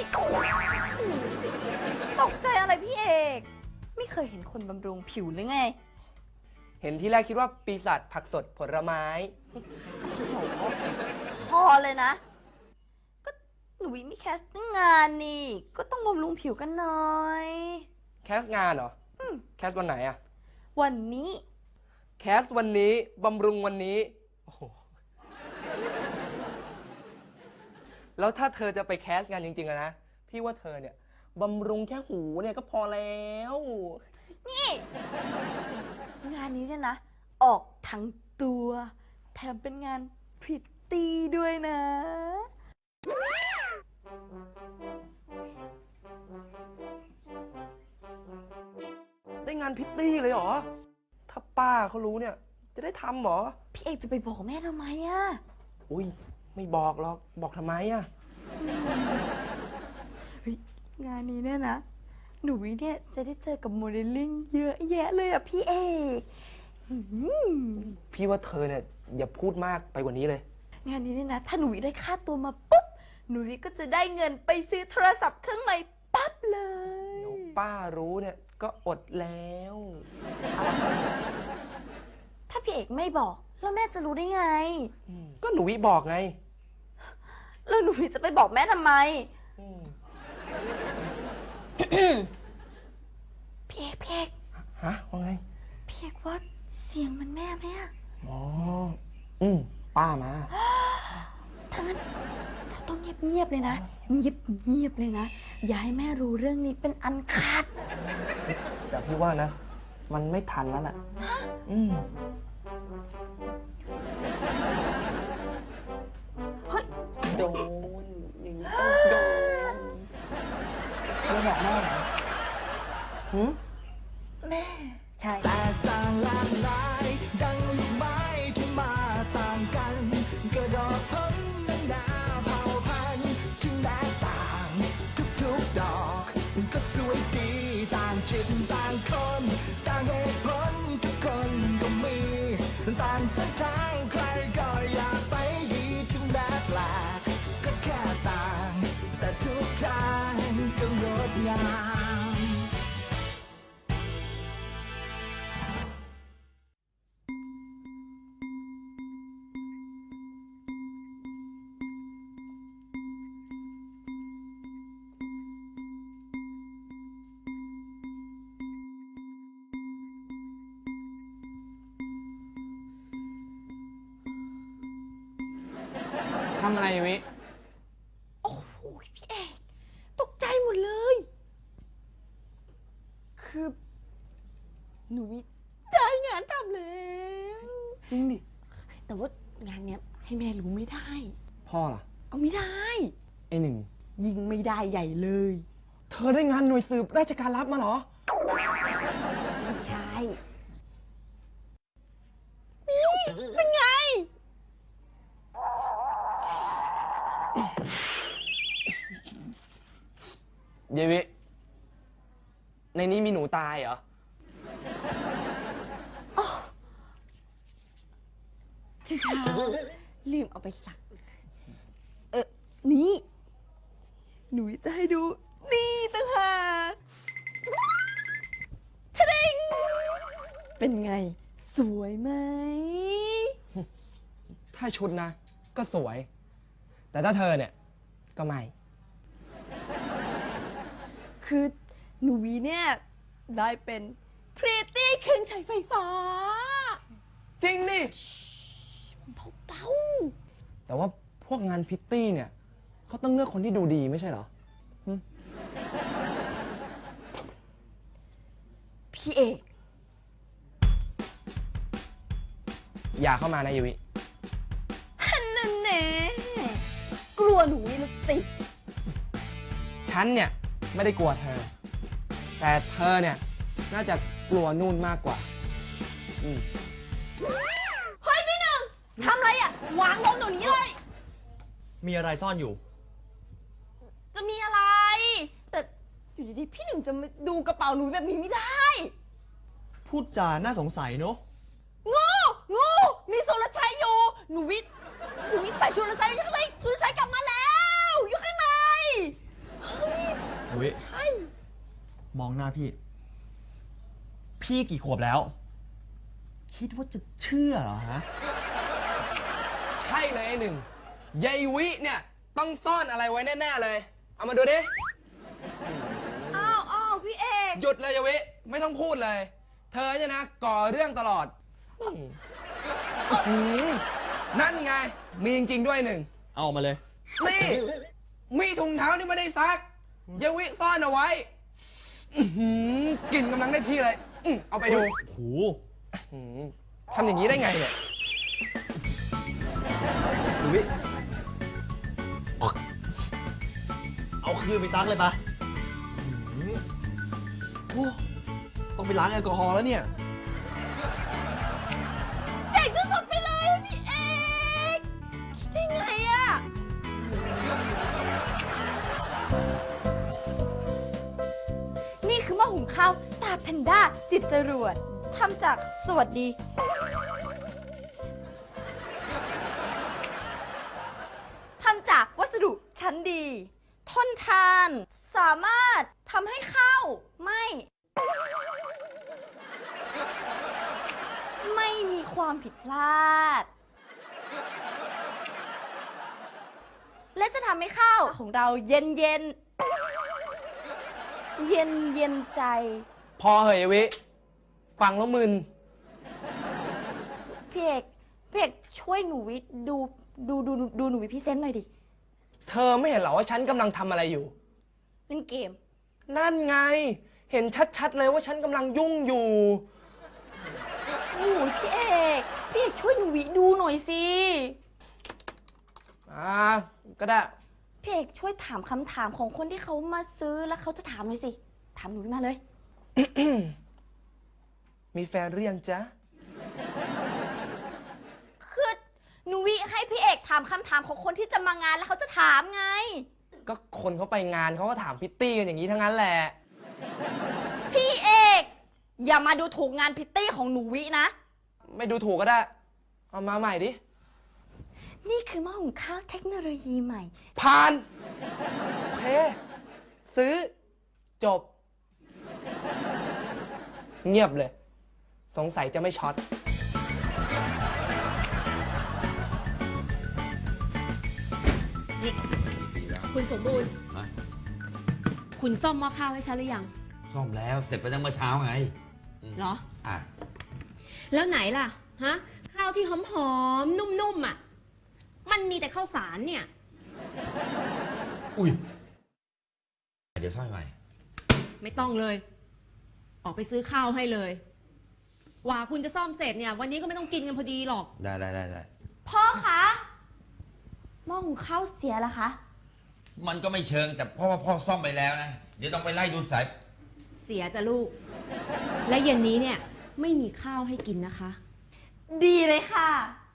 ตกใจอะไรพี่เอกไม่เคยเห็นคนบำรุงผิวหรือไงเห็นที่แรกคิดว่าปีศาจผักสดผลไม้พอเลยนะก็หนูวิมีแคสติ้งงานนี่ก็ต้องบำรุงผิวกันหน่อยแคสงานเหรอแคสวันไหนอะวันนี้แคสวันนี้บำรุงวันนี้โอ้โหแล้วถ้าเธอจะไปแคสงานจริงๆอะนะพี่ว่าเธอเนี่ยบำรุงแค่หูเนี่ยก็พอแล้วนี่งานนี้เนี่ยนะออกทั้งตัวแถมเป็นงานพริตตี้ด้วยนะได้งานพิตตี้เลยเหรอถ้าป้าเขารู้เนี่ยจะได้ทำเหรอพี่เอกจะไปบอกแม่ทำไมอะอุ้ยไม่บอกหรอกบอกทำไมอะงานนี้เนี่ยนะหนูวิเนี่ยจะได้เจอกับโมเดลลิ่งเยอะแยะเลยอะพี่เอกพี่ว่าเธอเนี่ยอย่าพูดมากไปกว่านี้เลยงานนี้เนี่ยนะถ้าหนูวิได้ค่าตัวมาปุ๊บหนูวิก็จะได้เงินไปซื้อโทรศัพท์เครื่องใหม่ปั๊บเลยป้ารู้เนี่ยก็อดแล้วถ้าพี่เอกไม่บอกแล้วแม่จะรู้ได้ไงก็หนูวิบอกไงแล้วหนูวิจะไปบอกแม่ทำไมพี่เอกฮะว่าไงพี่เอกว่าเสียงมันแม่ไหมอะอ๋อป้ามาถ้างั้นเราต้องเงียบเลยนะเงียบเลยนะอย่าให้แม่รู้เรื่องนี้เป็นอันขาดแต่พี่ว่านะมันไม่ทันแล้วแหละเฮ้ยโดนอย่างนี้ต้องโดนไม่บอกแม่เหรอแม่ใช่แตกต่างหลากหลายดังลูกไม้ที่มาต่างกันกระดอกพ้นนานาเผ่าพันธุ์ที่แตกต่างทุกๆดอกก็สวยดีต่างจิตต่างคนต่างเหตุผลทุกคนก็มีต่างเส้นทางใครก็อยากไปดีถึงแม้แปลกก็แค่ต่างแต่ทุกทางก็งดงามทำอะไรวิโอ้โหพี่เอกตกใจหมดเลย คือหนูวิได้งานทำแล้วจริงดิแต่ว่างานเนี้ยให้แม่รู้ไม่ได้พ่อล่ะก็ไม่ได้ไอ้หนึ่งยิงไม่ได้ใหญ่เลยเธอได้งานหน่วยสืบราชการลับมาเหรอไม่ใช่นี่เป็นไงเยวิในนี้มีหนูตายเหรอชิคาลืมเอาไปสักนี่หนูจะให้ดูนี่ต่างหากชะดิงเป็นไงสวยไหมถ้าชุดนะก็สวยแต่ถ้าเธอเนี่ยก็ไม่คือหนูวีเนี่ยได้เป็นพริตตี้เครื่องใช้ไฟฟ้าจริงดิเบาแต่ว่าพวกงานพิตตี้เนี่ยเขาต้องเลือกคนที่ดูดีไม่ใช่เหรอพี่เอกอย่าเข้ามานะยูวิฮันนั่นแน่กลัวหนูวีละสิฉันเนี่ยไม่ได้กลัวเธอแต่เธอเนี่ยน่าจะกลัวนู่นมากกว่าเฮ้ยพี่หนึ่งทำอะไรอ่ะวางลงเดี๋ยวนี้เลยมีอะไรซ่อนอยู่จะมีอะไรแต่อยู่ดีๆพี่หนึ่งจะมาดูกระเป๋าหนูแบบนี้ไม่ได้พูดจาน่าสงสัยเนอะงูมีสุรชัยอยู่หนูวิใส่สุรชัยอยู่ข้างในสุรชัยกลับมาแล้วอยู่ข้างในเฮ้อุ๊ยใช่มองหน้าพี่ พี่กี่ขวบแล้ว คิดว่าจะเชื่อเหรอฮะใช่เลยไอ้หนึ่งยายวิเนี่ยต้องซ่อนอะไรไว้แน่ๆเลย เอามาดูดิอ้าวพี่เอกหยุดเลยยายวิไม่ต้องพูดเลย เธอเนี่ยนะก่อเรื่องตลอดหือนั่นไง มีจริงๆด้วยหนึ่งเอามาเลยนี่ มีถุงเท้าที่ไม่ได้ซักยายวิซ่อนเอาไว้อื้อหือกลิ่นกำลังได้ที่เลยเอาไปดูโหหือทำอย่างนี้ได้ไงเนี่ยดูวิเอาคืนไปซักเลยปะโอ้ต้องไปล้างแอลกอฮอล์แล้วเนี่ยเจ๋งสุดๆไปเลยอะพี่เอกคิดได้ไงอะนี่คือหม้อหุงข้าวตาแพนด้าติดจรวดทำจากสวัสดี ทำจากวัสดุชั้นดี ทนทาน สามารถทำให้ข้าวไม่มีความผิดพลาด และจะทำให้ข้าวของเราเย็นเย็นใจพอเหยยายวิ ฟังแล้วมึนพี่เอกช่วยหนูวิดูหนูวิพี่เซนต์หน่อยดิเธอไม่เห็นเหรอว่าฉันกำลังทำอะไรอยู่เล่นเกมนั่นไง เห็นชัดๆเลยว่าฉันกำลังยุ่งอยู่โอ้ยพี่เอกช่วยหนูวิดูหน่อยสิก็ได้พี่เอกช่วยถามคำถามของคนที่เขามาซื้อแล้วเขาจะถามหน่อยสิ ถามหนูวิมาเลยมีแฟนหรือยังจ๊ะคือหนูวิให้พี่เอกถามคำถามของคนที่จะมางานแล้วเขาจะถามไงก็คนเขาไปงานเขาก็ถามพิตตี้กันอย่างนี้ทั้งนั้นแหละพี่เอกอย่ามาดูถูกงานพิตตี้ของหนูวินะไม่ดูถูกก็ได้ เอามาใหม่ดินี่คือหม้อหุงข้าวเทคโนโลยีใหม่ผ่าน โอเค ซื้อ จบ เงียบเลย สงสัยจะไม่ช็อตนี่คุณสมบูรณ์ฮะคุณซ่อมหม้อข้าวให้ฉันหรือยังซ่อมแล้วเสร็จไปตั้งเมื่อเช้าไงเหรออ่ะแล้วไหนล่ะ ฮะ ข้าวที่หอมๆ นุ่มๆอ่ะ มันมีแต่ข้าวสารเนี่ยอุ้ย เดี๋ยวซ่อมใหม่ไม่ต้องเลย ออกไปซื้อข้าวให้เลย กว่าคุณจะซ่อมเสร็จเนี่ย วันนี้ก็ไม่ต้องกินกันพอดีหรอกได้พ่อคะหม้อหุงข้าวเสียแล้วคะมันก็ไม่เชิงแต่เพราะว่าพ่อซ่อมไปแล้วนะ เดี๋ยวต้องไปไล่ดูสายเสียจ้ะลูก และเย็นนี้เนี่ย ไม่มีข้าวให้กินนะคะดีเลยค่ะ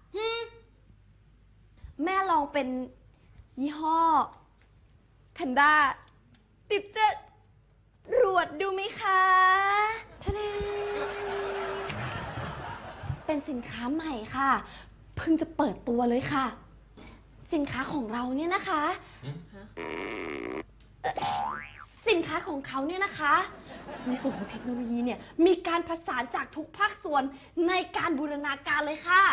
แม่ลองเป็นยี่ห้อแพนด้าติดจะรวดดูไหมคะทะเดเป็นสินค้าใหม่ค่ะ เพิ่งจะเปิดตัวเลยค่ะ สินค้าของเราเนี่ยนะคะสินค้าของเขาเนี่ยนะคะในส่วนของเทคโนโลยีเนี่ยมีการผสานจากทุกภาคส่วนในการบูรณาการเลยค่ะ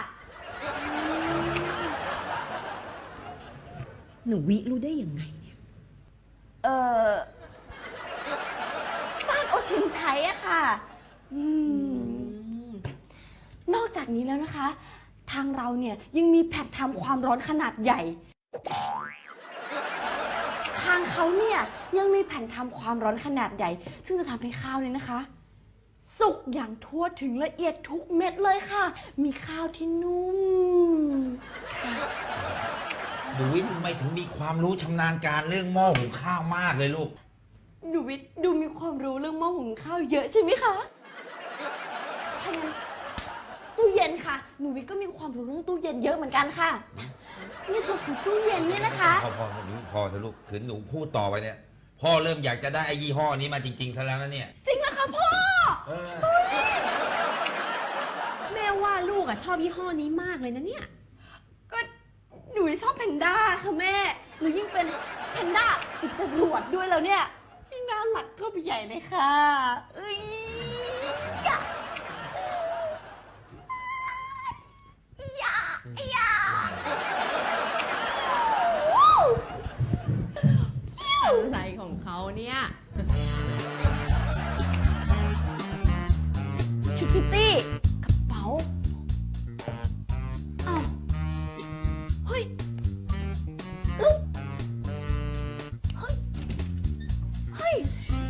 หนูวิรู้ได้ยังไงเนี่ยบ้านโอชินใช้อะค่ะนอกจากนี้แล้วนะคะ ทางเราเนี่ยยังมีแผ่นทำความร้อนขนาดใหญ่ ทางเขาเนี่ยยังมีแผ่นทำความร้อนขนาดใหญ่ ซึ่งจะทำให้ข้าวเนี่ยนะคะ สุกอย่างทั่วถึงละเอียดทุกเม็ดเลยค่ะ มีข้าวที่นุ่มค่ะดูวิทย์ทำไมถึงมีความรู้ชำนาญการเรื่องหม้อหุงข้าวมากเลยลูกหนูวิทย์ดูมีความรู้เรื่องหม้อหุงข้าวเยอะใช่ไหมคะถ้างั้นตู้เย็นค่ะ หนูวิทย์ก็มีความรู้เรื่องตู้เย็นเยอะเหมือนกันค่ะ ในส่วนของตู้เย็นเนี่ยนะคะพอเถอะลูกถึงหนูพูดต่อไปเนี่ย พ่อเริ่มอยากจะได้ไอ้ยี่ห้อนี้มาจริงๆซะแล้วนะเนี่ยจริงนะคะพ่อเออแม่ว่าลูกอ่ะชอบยี่ห้อนี้มากเลยนะเนี่ยก็หนูชอบแพนด้าค่ะแม่ หนูยิ่งเป็นแพนด้าติดจรวดด้วยแล้วเนี่ยยิ่งน่ารักก็ไปใหญ่เลยค่ะเอ้ยยะยะยะอะไรของเขาเนี่ยชุดพิตตี้กระเป๋าอ้าวเฮ้ยแล้วเฮ้ยเฮ้ย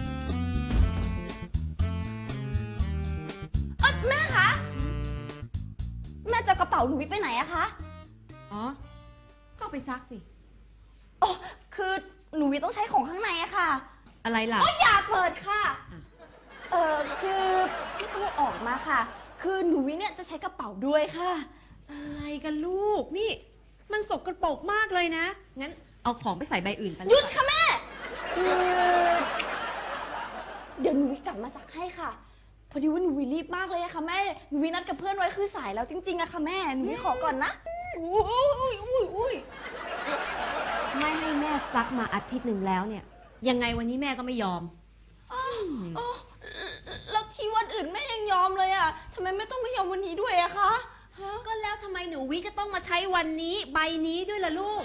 แม่คะแม่จะเอากระเป๋าหนูวิไปไหนอะคะอ๋อ ก็เอาไปซักสิอ๋อคือหนูวิต้องใช้ของข้างในอะค่ะอะไรล่ะอ๋ออย่าเปิดค่ะอ่ะคือไม่ต้องออกมาค่ะ คือหนูวิเนี่ยจะใช้กระเป๋าด้วยค่ะอะไรกันลูก นี่ มันสกปรกมากเลยนะ งั้นเอาของไปใส่ใบอื่นไปหยุดค่ะแม่ คือเดี๋ยวหนูวิกลับมาซักให้ค่ะ พอดีว่าหนูวิรีบมากเลยอะค่ะแม่ หนูวินัดกับเพื่อนไว้คือสายแล้วจริงๆอะค่ะแม่ หนูวิขอก่อนนะ อุ้ยไม่ให้แม่ซักมาอาทิตย์หนึ่งแล้วเนี่ย ยังไงวันนี้แม่ก็ไม่ยอมแล้วที่วันอื่นแม่ยังยอมเลยอะทำไมไม่ต้องไม่ยอมวันนี้ด้วยอะคะก็แล้วทำไมหนูวิจะต้องมาใช้วันนี้ใบนี้ด้วยล่ะลูก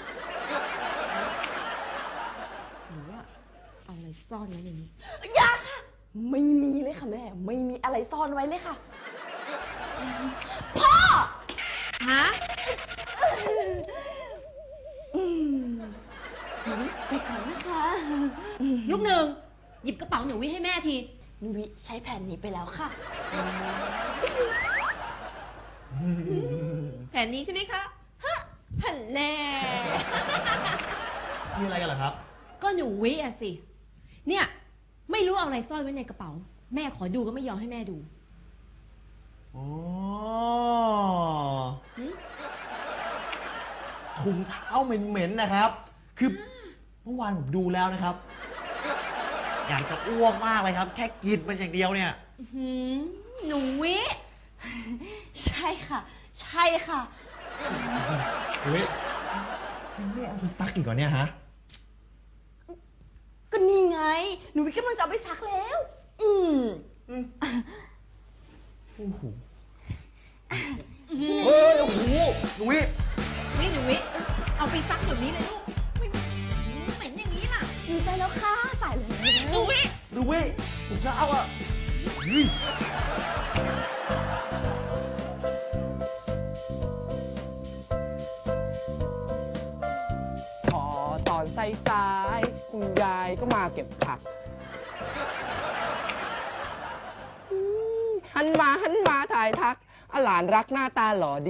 หรือว่าเอาอะไรซ่อนไว้ในนี้อย่าค่ะ ไม่มีเลยค่ะแม่ ไม่มีอะไรซ่อนไว้เลยค่ะ พ่อฮะหนูวิไปก่อนนะคะลูกหนึ่ง หยิบกระเป๋าหนูวิให้แม่ทีหนูวิใช้แผนนี้ไปแล้วค่ะแผนนี้ใช่ไหมคะ ฮะหันแน่มีอะไรกันเหรอครับก็หนูวิอะสิ เนี่ย ไม่รู้เอาอะไรซ่อนไว้ในกระเป๋า แม่ขอดูก็ไม่ยอมให้แม่ดูอ๋อหึถุงเท้าเหม็นๆนะครับ คือเมื่อวานผมดูแล้วนะครับ อยากจะอ้วกมากเลยครับ แค่กินมันอย่างเดียวเนี่ยหืมหนูวิใช่ค่ะ ใช่ค่ะเฮ้ยยังไม่เอาไปซักอีกเหรอเนี่ยฮะก็นี่ไง หนูวิกำลังจะเอาไปซักแล้วโอ้โหเฮ้ย โอ้โหหนุ่ยนี่หนูวิ เอาไปซักเดี๋ยวนี้เลยลูกไม่เหม็นอย่างนี้ล่ะหนูไปแล้วค่ะสายแล้วหนูวิหนุ่ยถุงเท้าอ่ะเฮ้ยพอตอนสายๆคุณยายก็มาเก็บผักหันมาถ่ายทักหลานรักหน้าตาหล่อดี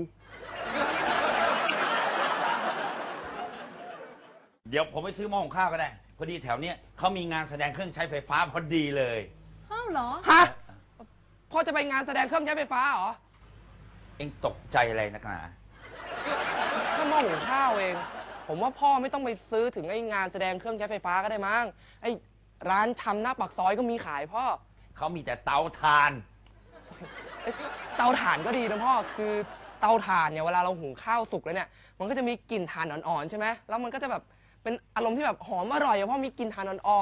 เดี๋ยวผมไปซื้อหม้อหุงข้าวก็ได้ พอดีแถวเนี้ยเขามีงานแสดงเครื่องใช้ไฟฟ้าพอดีเลยอ้าวเหรอฮะ พ่อจะไปงานแสดงเครื่องใช้ไฟฟ้าเหรอเอ็งตกใจอะไรนักหนาถ้าหม้อหุงข้าวเอง ผมว่าพ่อไม่ต้องไปซื้อถึงไอ้งานแสดงเครื่องใช้ไฟฟ้าก็ได้มั้ง ไอ้ร้านชำหน้าปากซอยก็มีขายพ่อเขามีแต่เตาถ่านเตาถ่านก็ดีนะพ่อ คือเตาถ่านเนี่ยเวลาเราหุงข้าวสุกแล้วเนี่ย มันก็จะมีกลิ่นถ่านอ่อนๆใช่ไหม แล้วมันก็จะแบบเป็นอารมณ์ที่แบบหอมอร่อยอะพ่อมีกลิ่นถ่านอ่อน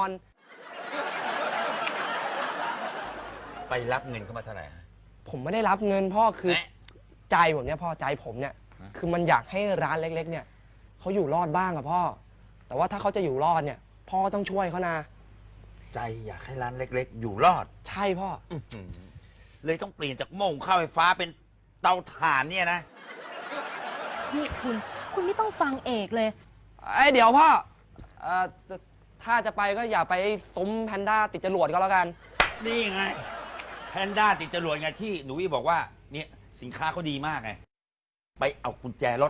ไปรับเงินเข้ามาเท่าไหร่ฮะๆ ผมไม่ได้รับเงินพ่อ คือแหมใจผมเนี่ยพ่อ ใจผมเนี่ยฮะคือมันอยากให้ร้านเล็กๆ เนี่ยเขาอยู่รอดบ้างอะพ่อ แต่ว่าถ้าเขาจะอยู่รอดเนี่ย พ่อต้องช่วยเขานะใจอยากให้ร้านเล็กๆ อยู่รอดใช่พ่อเลยต้องเปลี่ยนจากหม้อหุงข้าวไฟฟ้าเป็นเตาถ่านเนี่ยนะนี่คุณไม่ต้องฟังเอกเลยเดี๋ยวพ่อถ้าจะไปก็อย่าไปซุ้มแพนด้าติดจรวดก็แล้วกันนี่ไง แพนด้าติดจรวดไงที่หนูวิบอกว่าเนี่ยสินค้าเขาดีมากไง ไปเอากุญแจรถ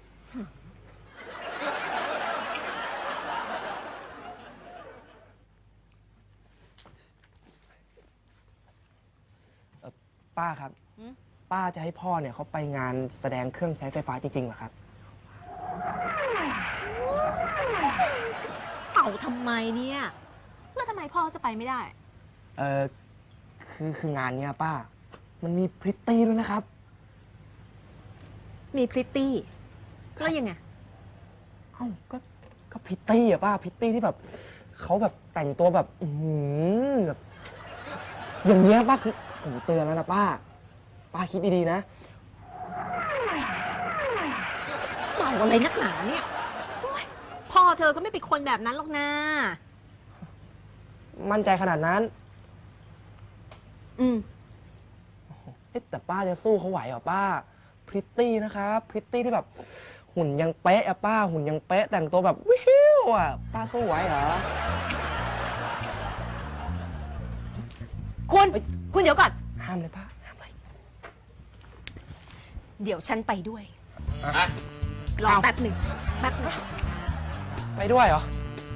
ป้าครับ ป้าจะให้พ่อเนี่ยเขาไปงานแสดงเครื่องใช้ไฟฟ้าจริงๆเหรอครับเป่าทำไมเนี่ย แล้วทำไมพ่อจะไปไม่ได้เออคืองานเนี้ยป้า มันมีพริตตี้ด้วยนะครับมีพริตตี้แล้วยังไงเอ้าก็พริตตี้อะป้าพริตตี้ที่แบบเขาแบบแต่งตัวแบบแบบอย่างเงี้ยป้าคือผมเตือนแล้วนะป้าคิดดีๆนะเมาอะไรนักหนาเนี่ยโอ๊ยพ่อเธอก็ไม่เป็นคนแบบนั้นหรอกนะมั่นใจขนาดนั้นอืมเอ๊ะแต่ป้าจะสู้เขาไหวเหรอป้าพริตตี้นะครับพริตตี้ที่แบบหุ่นยังเป๊ะอะป้าหุ่นยังเป๊ะแต่งตัวแบบวิวอะป้าสู้ไหวเหรอคุณเดี๋ยวก่อนห้ามเลยป้าห้ามเลยเดี๋ยวฉันไปด้วยอ่ะรอแป๊บหนึ่งไปด้วยเหรอ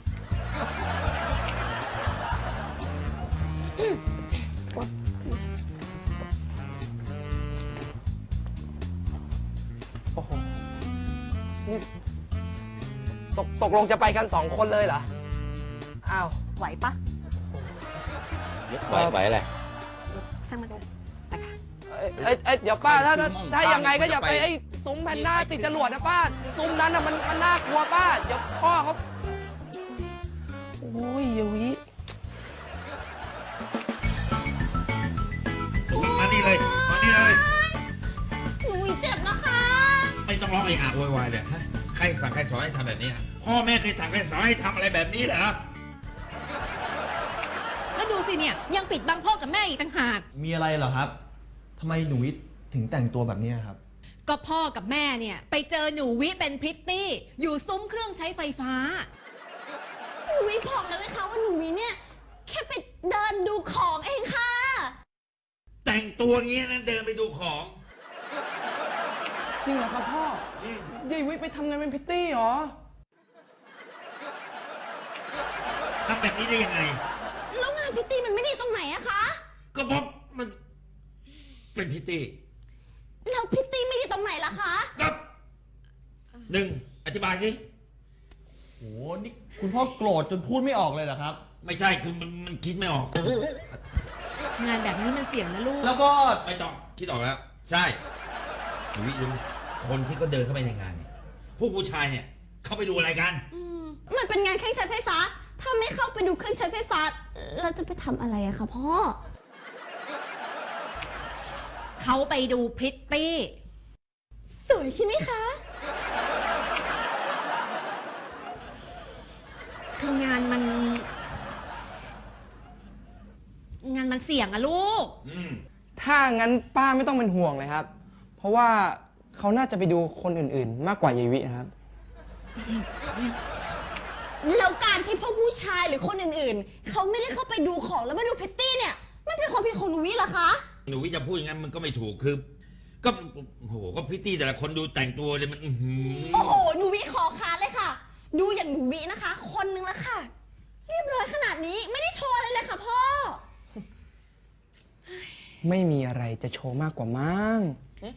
โอ้โหนี่ตกลงจะไปกัน2 คนเลยเหรออ้าวไหวปะไหวอะไรช่างมันเลยไปค่ะเดี๋ยวป้าถ้ายังไงก็อย่าไปไอ้ซุ้มแพนด้าติดจรวดนะป้าซุ้มนั้นน่ะมันน่ากลัวป้าเดี๋ยวพ่อเขาโอ้ยยวิมานี่เลยมานี่เลยหนูเจ็บนะคะไม่ต้องร้องไอ้อาโวยวายเลยฮะใครสั่งใครสอนให้ทำแบบนี้พ่อแม่เคยสั่งใครสอนให้ทำอะไรแบบนี้เหรอแล้วดูสิเนี่ยยังปิดบังพ่อกับแม่อีกต่างหากมีอะไรเหรอครับทำไมหนูวิทย์ถึงแต่งตัวแบบนี้ครับก็พ่อกับแม่เนี่ยไปเจอหนูวิเป็นพริตตี้ อยู่ซุ้มเครื่องใช้ไฟฟ้าหนูวิบอกแล้วไหมคะว่าหนูวิเนี่ยแค่ไปเดินดูของเองค่ะแต่งตัวงี้นะเดินไปดูของจริงเหรอครับพ่อยายวิไปทำงานเป็นพิตตี้เหรอทำแบบนี้ได้ยังไงแล้วงานพิตตี้มันไม่ดีตรงไหนอะคะก็เพราะมันเป็นพิตตี้แล้วพิตตี้ไม่ดีตรงไหนล่ะคะก็หนึ่งอธิบายสิโห นี่คุณพ่อโกรธจนพูดไม่ออกเลยเหรอครับไม่ใช่คือมันคิดไม่ออกงานแบบนี้มันเสี่ยงนะลูกแล้วก็ไม่ต้องคิดออกแล้ว ใช่หนูวิรู้ไหมคนที่เขาเดินเข้าไปในงานเนี่ยพวกผู้ชายเนี่ยเขาไปดูอะไรกันมันเป็นงานเครื่องใช้ไฟฟ้า ถ้าไม่เข้าไปดูเครื่องใช้ไฟฟ้าเราจะไปทำอะไรอะคะพ่อเขาไปดูพริตตี้สวยใช่ไหมคะคืองานมันเสี่ยงอะลูกถ้างั้นป้าไม่ต้องเป็นห่วงเลยครับ เพราะว่าเขาน่าจะไปดูคนอื่นๆ มากกว่ายายวินะครับแล้วการที่พวกผู้ชายหรือคนอื่นๆ เขาไม่ได้เข้าไปดูของแล้วมาดูพิตตี้เนี่ย มันเป็นความผิดของหนูวิเหรอคะหนูวิจะพูดอย่างนั้นมันก็ไม่ถูกคือ ก็โอ้โหก็พิตตี้แต่ละคนดูแต่งตัวเลยมันอื้อหือโอ้โห หนูวิขอค้านเลยค่ะ ดูอย่างหนูวินะคะ คนนึงละค่ะ เรียบร้อยขนาดนี้ไม่ได้โชว์อะไรเลยค่ะพ่อไม่มีอะไรจะโชว์มากกว่ามั้ง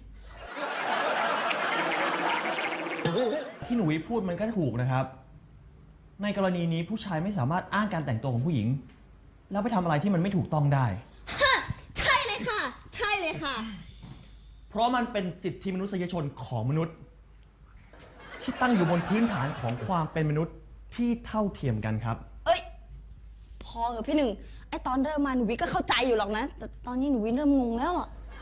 ที่หนูวิทย์พูดมันก็ถูกนะครับ ในกรณีนี้ผู้ชายไม่สามารถอ้างการแต่งตัวของผู้หญิง แล้วไปทำอะไรที่มันไม่ถูกต้องได้ใช่เลยค่ะ ใช่เลยค่ะเพราะมันเป็นสิทธิมนุษยชนของมนุษย์ ที่ตั้งอยู่บนพื้นฐานของความเป็นมนุษย์ที่เท่าเทียมกันครับเอ้ย พอเหอะพี่หนึ่ง ไอตอนเริ่มมาหนูวิก็เข้าใจอยู่หรอกนะ แต่ตอนนี้หนูวิเริ่มงงแล้วอะ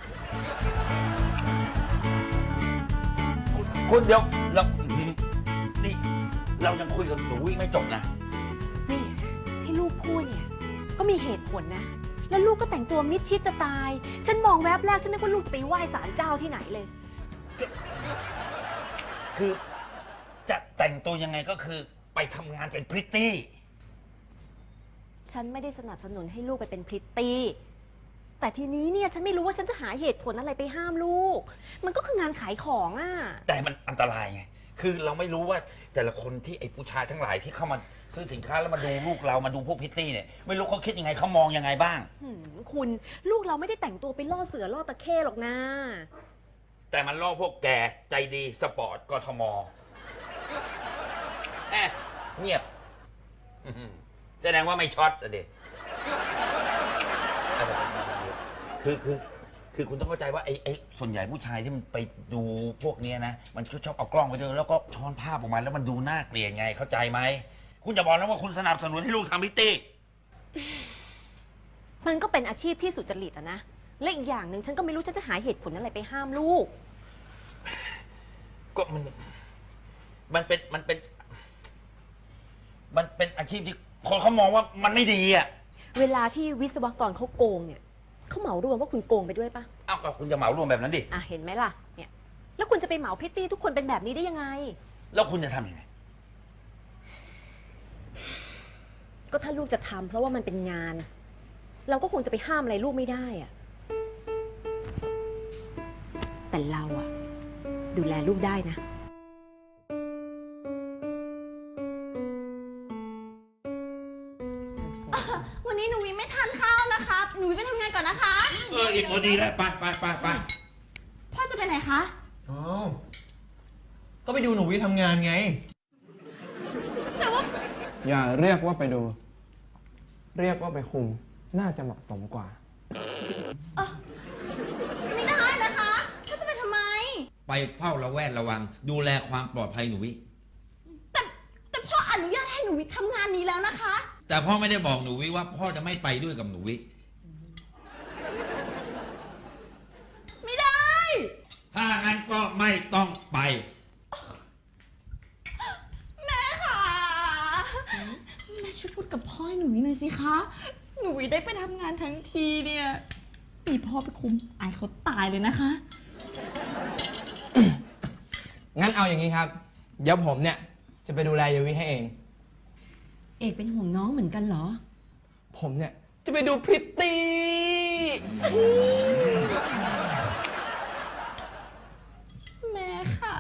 คุณเดี๋ยวเรานี่เรายังคุยกับหนูวิไม่จบนะนี่ที่ลูกพูดเนี่ยก็มีเหตุผลนะ แล้วลูกก็แต่งตัวมิดชิดจะตาย ฉันมองแวบแรกฉันนึกว่าลูกจะไปไหว้ศาลเจ้าที่ไหนเลยคือจะแต่งตัวยังไงก็คือไปทำงานเป็นพริตตี้ฉันไม่ได้สนับสนุนให้ลูกไปเป็นพริตตี้ แต่ทีนี้เนี่ยฉันไม่รู้ว่าฉันจะหาเหตุผลอะไรไปห้ามลูก มันก็คืองานขายของอ่ะแต่มันอันตรายไง คือเราไม่รู้ว่าแต่ละคนที่ไอ้ผู้ชายทั้งหลายที่เข้ามาซื้อสินค้าแล้วมาดูลูกเรามาดูพวกพริตตี้เนี่ยไม่รู้เขาคิดยังไงเขามองยังไงบ้างคุณลูกเราไม่ได้แต่งตัวไปล่อเสือล่อตะเข้หรอกนะแต่มันล่อพวกแกใจดีสปอร์ตกทมแอะเงียบอื้อหือแสดงว่าไม่ช็อตอะเด็คือคุณต้องเข้าใจว่าไอ้ส่วนใหญ่ผู้ชายที่มันไปดูพวกเนี้ยนะมันชอบเอากล้องไปด้วยแล้วก็ช้อนภาพออกมาแล้วมันดูน่าเกลียดไงเข้าใจไหมคุณจะบอกนะว่าคุณสนับสนุนให้ลูกทำพิตตี้มันก็เป็นอาชีพที่สุจริตอะนะ และอีกอย่างหนึ่งฉันก็ไม่รู้ฉันจะหาเหตุผลอะไรไปห้ามลูกก็มันเป็นอาชีพที่คนเขามองว่ามันไม่ดีอ่ะเวลาที่วิศวกรเขาโกงเนี่ยเขาเหมารวมว่าคุณโกงไปด้วยปะเอ้าก็คุณจะเหมารวมแบบนั้นดิอ่ะเห็นไหมล่ะ เนี่ย แล้วคุณจะไปเหมาพริตตี้ทุกคนเป็นแบบนี้ได้ยังไงแล้วคุณจะทำยังไงก็ถ้าลูกจะทำเพราะว่ามันเป็นงาน เราก็คงจะไปห้ามอะไรลูกไม่ได้อะแต่เราอะดูแลลูกได้นะวันนี้หนูวิไม่ทานข้าวนะครับ หนูวิไปทำงานก่อนนะคะอีกพอดีแล้วไปพ่อจะไปไหนคะอ๋อ ก็ไปดูหนูวิทำงานไงแต่ว่าอย่าเรียกว่าไปดู เรียกว่าไปคุม น่าจะเหมาะสมกว่าไม่ได้นะคะพ่อจะไปทำไมไปเฝ้าระแวดระวัง ดูแลความปลอดภัยหนูวิแต่พ่ออนุญาตให้หนูวิทำงานนี้แล้วนะคะแต่พ่อไม่ได้บอกหนูวิว่าพ่อจะไม่ไปด้วยกับหนูวิไม่ได้ถ้างั้นก็ไม่ต้องไปแม่ค่ะ แม่ช่วยพูดกับพ่อให้หนูวิหน่อยสิคะ หนูวิได้ไปทำงานทั้งทีเนี่ยมีพ่อไปคุมอายเขาตายเลยนะคะงั้นเอาอย่างนี้ครับ เดี๋ยวผมเนี่ยจะไปดูแลเยวิให้เองเอกเป็นห่วงน้องเหมือนกันเหรอผมเนี่ยจะไปดูพริตตี้แม่ค่ะ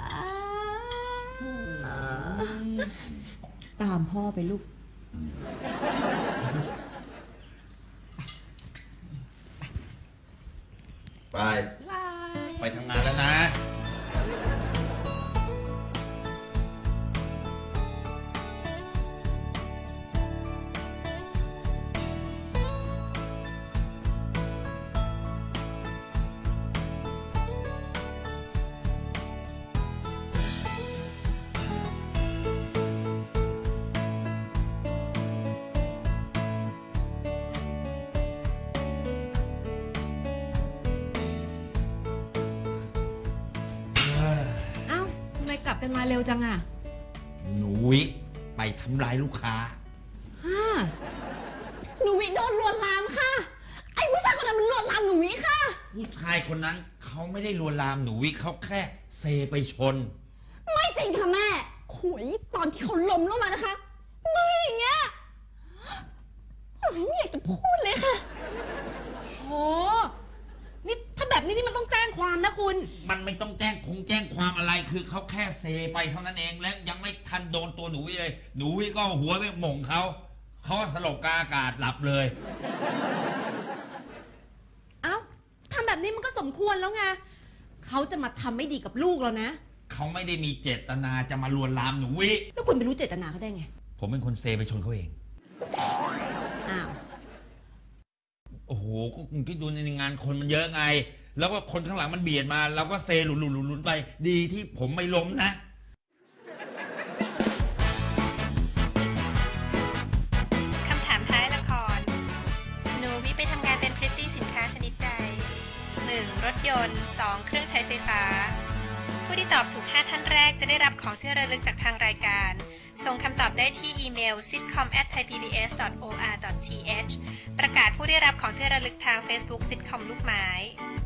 ตามพ่อไปลูกไป ไปทำงานแล้วนะเอ้าทำไมกลับกันมาเร็วจังอะหนูวิไปทำลายลูกค้าฮ่าหนูวิโดนลวนลามค่ะ ไอ้ผู้ชายคนนั้นมันลวนลามหนูวิค่ะผู้ชายคนนั้นเขาไม่ได้ลวนลามหนูวิเขาแค่เซไปชนไม่จริงค่ะแม่ขุยตอนที่เขาล้มลงมานะคะมืออย่างเงี้ยหนูไม่อยากจะพูดเลยค่ะโห นี่ถ้าแบบนี้นี่มันต้องแจ้งความนะคุณมันไม่ต้องแจ้งความอะไรคือเขาแค่เซไปเท่านั้นเองและยังไม่ทันโดนตัวหนูวิเลย หนูวิก็เอาหัวไปหม่งเขาสลบกลางอากาศหลับเลยเอ้าทำแบบนี้มันก็สมควรแล้วไงเขาจะมาทำไม่ดีกับลูกเรานะเขาไม่ได้มีเจตนาจะมาลวนลามหนูวิแล้วคุณไปรู้เจตนาเขาได้ไงผมเป็นคนเซไปชนเขาเองอ้าวโอ้โห ก็คุณคิดดูในงานคนมันเยอะไง แล้วก็คนข้างหลังมันเบียดมาเราก็เซหลุนไป ดีที่ผมไม่ล้มนะคำถามท้ายละคร หนูวิไปทำงานเป็นพริตตี้สินค้าชนิดใด 1. รถยนต์ 2. เครื่องใช้ไฟฟ้า ผู้ที่ตอบถูก 5 ท่านแรกจะได้รับของที่ระลึกจากทางรายการ ส่งคำตอบได้ที่อีเมล sitcom@thaipbs.or.th ประกาศผู้ได้รับของที่ระลึกทาง Facebook Sitcom ลูกไม้